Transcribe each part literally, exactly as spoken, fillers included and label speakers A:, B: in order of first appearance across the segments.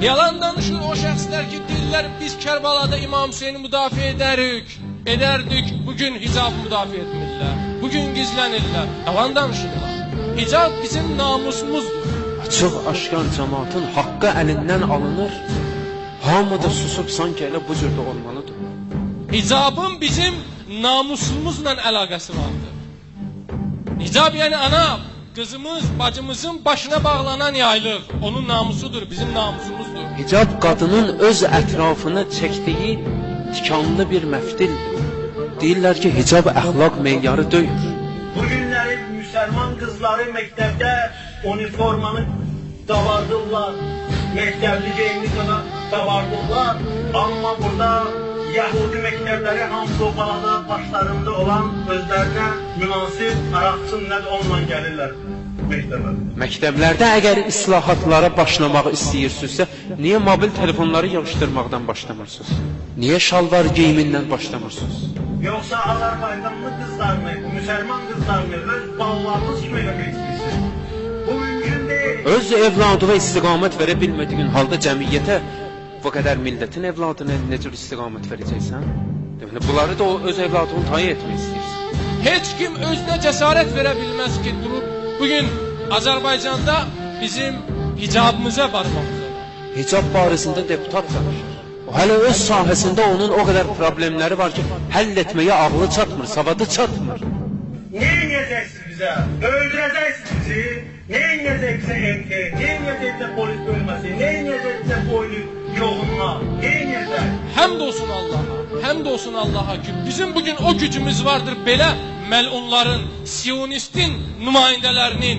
A: Yalan danışır o şəxslər ki, deyirlər biz Kərbalada İmam Hüseyni müdafiə edərik, edərdik, bugün hicab müdafiə etmirlər, bugün gizlənirlər, yalan danışırlar. Hicab bizim namusumuzdur.
B: Açıq aşkar cəmaatın haqqı əlindən alınır, hamı da susub sanki elə bu cürdə olmalıdır.
A: Hicabın bizim namusumuzla əlaqəsi vardır. Hicab yəni ana, qızımız, bacımızın başına bağlanan yaylıq, onun namusudur, bizim namusumuzdur.
B: Hicab qadının öz ətrafına çəkdiyi tikanlı bir məftildir. Deyirlər ki, hicab əxlaq meyarı döyür.
C: Bugünləri müsəlman qızları məktəbdə uniformanı davardırlar, məktəbli geyimli davardırlar, amma burada Yahudi məktəbləri hamısı o balada başlarında olan özlərinə münasib araqçın nədir onunla gəlirlər məktəbə.
B: Məktəblərdə əgər islahatlara başlamaq istəyirsinizsə, niyə mobil telefonları yığışdırmaqdan başlamırsınız? Niyə şalvar geyimindən başlamırsınız?
C: Yoxsa Azərbaycanlı qızlarını, müsəlman qızlarını öz ballarınız kimi eləmək istəyirsiniz? Bu mümkün deyil.
B: Öz evladına istiqamət verə bilmədiyin halda cəmiyyətə bu qədər millətin evladına nə cür istiqamət verəcəksən? Deməli, bunları da o öz evladını tayin etmək istəyirsən.
A: Heç kim özünə cəsarət verə bilməz ki, durub bugün Azərbaycanda bizim hicabımıza barmaqdır.
B: Hicab barəsində deputat danışır. O hələ öz sahəsində onun o qədər problemləri var ki, həll etməyə ağlı çatmır, savadı çatmır.
C: Nə edəcəksiniz bizə? Öldürəcəksiniz bizi? Nə edəcəksə M K, nə edəcəksə polis bölməsi, nə edəcəksə boylu yoğunma, nə edəcək?
A: Həmd olsun Allaha, həmd olsun Allaha ki, bizim bugün o gücümüz vardır belə məlunların, siyonistin nümayəndələrinin,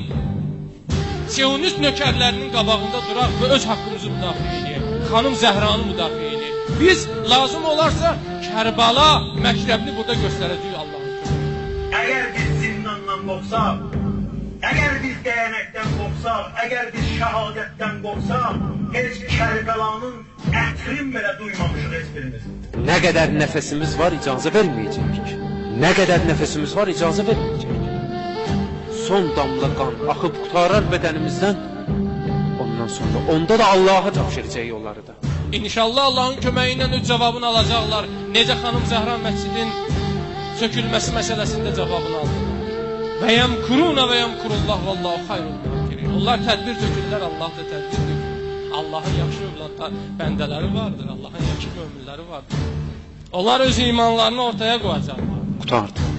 A: siyonist nökərlərinin qabağında duraq və öz haqqımızı müdafiə edək. Xanım Zəhranı müdafiə edək. Biz lazım olarsa Kərbala məktəbini burada göstərəcəyik Allah'ın köməklə.
C: Əgər biz zindandan qorxsaq, əgər biz dəyənəkdən qorxsaq, əgər biz şəhadətdən qorxsaq, heç Kərbəlanın ətrin belə duymamışıq heç birimiz.
B: Nə qədər nəfəsimiz var, icazə verməyəcəyik. Nə qədər nəfəsimiz var, icazə verməyəcəyik. Son damla qan axıb qutarar bədənimizdən, ondan sonra onda da Allah'a tapşıracaq onları da.
A: İnşallah Allah'ın köməyi ilə öz cavabını alacaqlar. Necə xanım Zəhra məscidin sökülməsi məsələsində cavabını aldılar. Və yəmkuruna və yəmkurullah vallahu xayrul məkirin. Onlar tədbir tökürlər, Allah da tədbir tökür. Allah'ın yaxşı övladlar, bəndələri vardır, Allah'ın yaxşı möminləri vardır. Onlar öz imanlarını ortaya qoyacaqlar.
B: Qutardı.